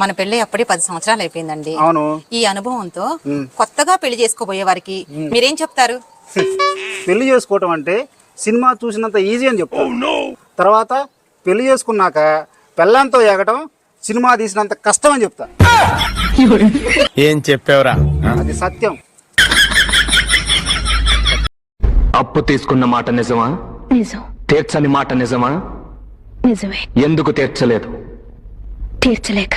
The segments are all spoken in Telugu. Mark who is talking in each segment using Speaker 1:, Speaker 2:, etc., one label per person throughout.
Speaker 1: మన పెళ్లి అప్పుడే 10 సంవత్సరాలు అయిపోయిందండి.
Speaker 2: అవును.
Speaker 1: ఈ అనుభవంతో కొత్తగా పెళ్లి చేసుకోబోయే వారికి మీరేం చెప్తారు?
Speaker 2: పెళ్లి చేసుకోవటం అంటే సినిమా చూసినంత ఈజీ అని చెప్తాను. తర్వాత పెళ్లి చేసుకున్నాక పెళ్ళంతో ఎగటం సినిమా తీసినంత కష్టం అని చెప్తా.
Speaker 3: ఏం చెప్పావురా?
Speaker 2: అది సత్యం.
Speaker 4: అప్పు తీసుకున్న మాట నిజమా?
Speaker 5: నిజం.
Speaker 4: తీర్చని మాట నిజమా?
Speaker 5: నిజమే.
Speaker 4: ఎందుకు తీర్చలేదు?
Speaker 5: తీర్చలేక.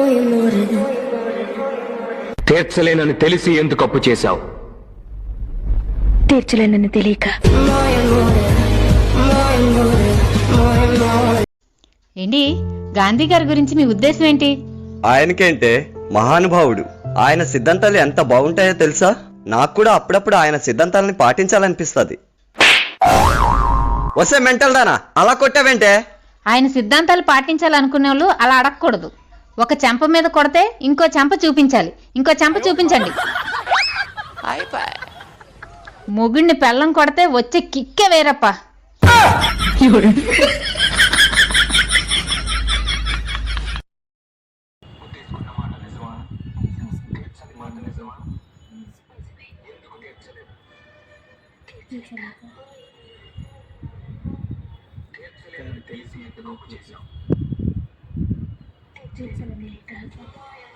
Speaker 4: తీర్చలేనని తెలిసి ఎందుకు అప్పు చేశావు?
Speaker 5: తీర్చలేనని తెలియక.
Speaker 6: ఏంటి గాంధీ గారి గురించి మీ ఉద్దేశం ఏంటి?
Speaker 7: ఆయనకేంటే మహానుభావుడు. ఆయన సిద్ధాంతాలు ఎంత బాగుంటాయో తెలుసా? నాకు కూడా అప్పుడప్పుడు ఆయన సిద్ధాంతాలని పాటించాలనిపిస్తుంది. వస్తే మెంటల్ దానా అలా కొట్టావేంటే?
Speaker 6: ఆయన సిద్ధాంతాలు పాటించాలనుకునే వాళ్ళు అలా అడగకూడదు. ఒక చెంప మీద కొడితే ఇంకో చెంప చూపించాలి. ఇంకో చెంప చూపించండి. మొగుడిని పెళ్ళం కొడితే వచ్చే కిక్కే వేరప్ప.
Speaker 5: తీర్చలేక.